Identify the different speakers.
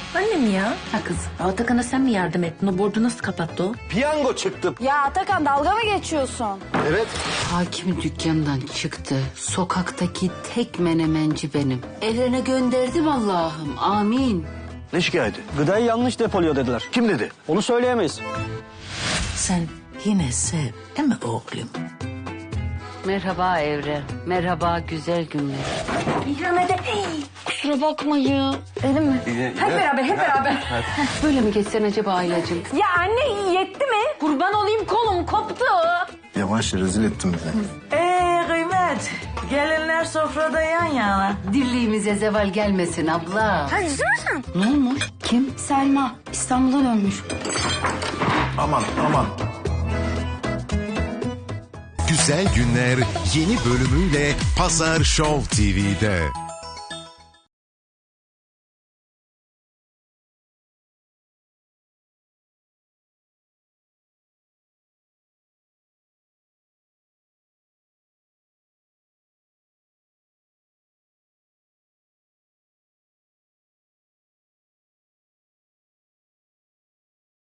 Speaker 1: Annem ya. Ha kız, Atakan'a sen mi yardım ettin? O borcu nasıl kapattı o?
Speaker 2: Piyango çıktı.
Speaker 3: Ya Atakan dalga mı geçiyorsun?
Speaker 2: Evet.
Speaker 4: Hakimin dükkanından çıktı. Sokaktaki tek menemenci benim. Evlerine gönderdim Allah'ım. Amin.
Speaker 2: Ne şikayeti?
Speaker 5: Gıdayı yanlış depoluyor dediler.
Speaker 2: Kim dedi?
Speaker 5: Onu söyleyemeyiz.
Speaker 1: Sen yine sev, değil mi oğlum?
Speaker 4: Merhaba Evren. Merhaba güzel günler.
Speaker 3: Kusura bakma ya. Elim mi?
Speaker 1: Hep beraber.
Speaker 4: Böyle mi geçsen acaba Aylacığım?
Speaker 3: Ya anne yetti mi?
Speaker 1: Kurban olayım, kolum koptu.
Speaker 6: Yavaş rezil ettin bizi.
Speaker 7: Kıymet, gelinler sofrada yan yana.
Speaker 4: Dirliğimize zeval gelmesin abla.
Speaker 3: Hadi sen.
Speaker 4: Ne olmuş? Kim?
Speaker 3: Selma İstanbul'a dönmüş.
Speaker 6: Aman aman.
Speaker 8: Güzel Günler yeni bölümüyle Pazar Show TV'de.